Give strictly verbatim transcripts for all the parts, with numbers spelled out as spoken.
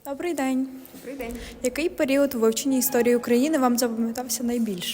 Добрий день. Добрий день. Який період у вивченні історії України вам запам'ятався найбільше?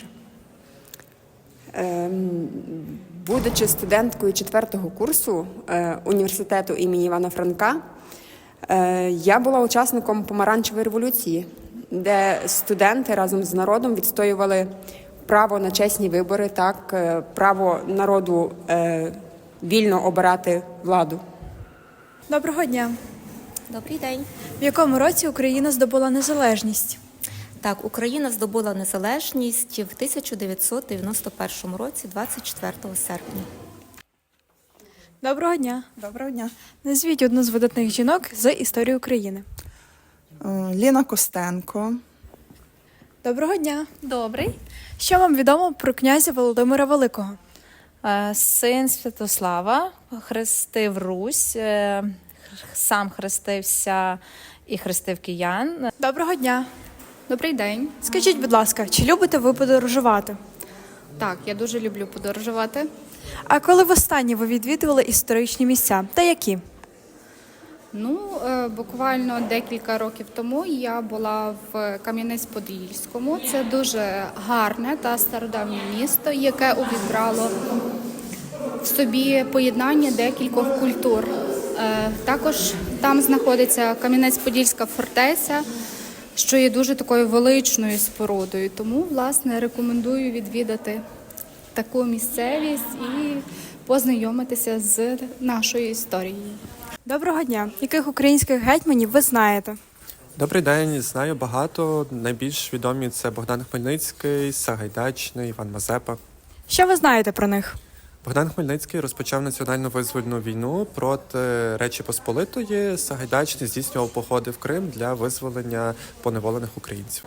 Ем, будучи студенткою четвертого курсу е, університету імені Івана Франка, е, я була учасником помаранчевої революції, де студенти разом з народом відстоювали право на чесні вибори, так, е, право народу е, вільно обирати владу. Доброго дня. Добрий день. В якому році Україна здобула незалежність? Так, Україна здобула незалежність в тисяча дев'ятсот дев'яносто першому році, двадцять четвертого серпня. Доброго дня. Доброго дня. Назвіть одну з видатних жінок з історії України. Е, Ліна Костенко. Доброго дня. Добрий. Що вам відомо про князя Володимира Великого? Е, Син Святослава хрестив Русь, е, сам хрестився і хрестив киян. Доброго дня. Добрий день. Скажіть, будь ласка, чи любите ви подорожувати? Так, я дуже люблю подорожувати. А коли востаннє ви відвідували історичні місця? Та які? Ну, е, буквально декілька років тому я була в Кам'янець-Подільському. Це дуже гарне та стародавнє місто, яке увібрало в собі поєднання декількох культур. Е, Також там знаходиться Кам'янець-Подільська фортеця, що є дуже такою величною спорудою. Тому, власне, рекомендую відвідати таку місцевість і познайомитися з нашою історією. Доброго дня. Яких українських гетьманів ви знаєте? Добрий день, знаю багато. Найбільш відомі це Богдан Хмельницький, Сагайдачний, Іван Мазепа. Що ви знаєте про них? Богдан Хмельницький розпочав національну визвольну війну проти Речі Посполитої. Сагайдачний здійснював походи в Крим для визволення поневолених українців.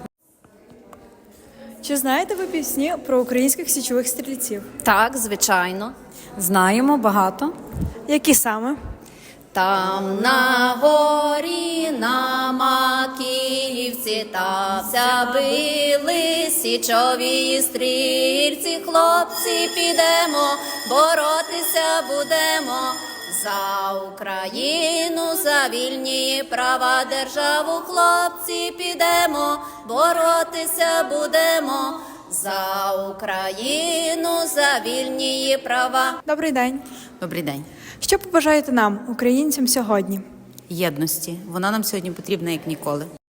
Чи знаєте ви пісні про українських січових стрільців? Так, звичайно. Знаємо багато. Які саме? Там на горі, на Макіївці, тався били січові стрільці. Хлопці, підемо, боротися будемо за Україну, за вільні права державу. Хлопці, підемо, боротися будемо за Україну, за вільні її права. Добрий день. Добрий день. Що побажаєте нам, українцям, сьогодні? Єдності. Вона нам сьогодні потрібна як ніколи.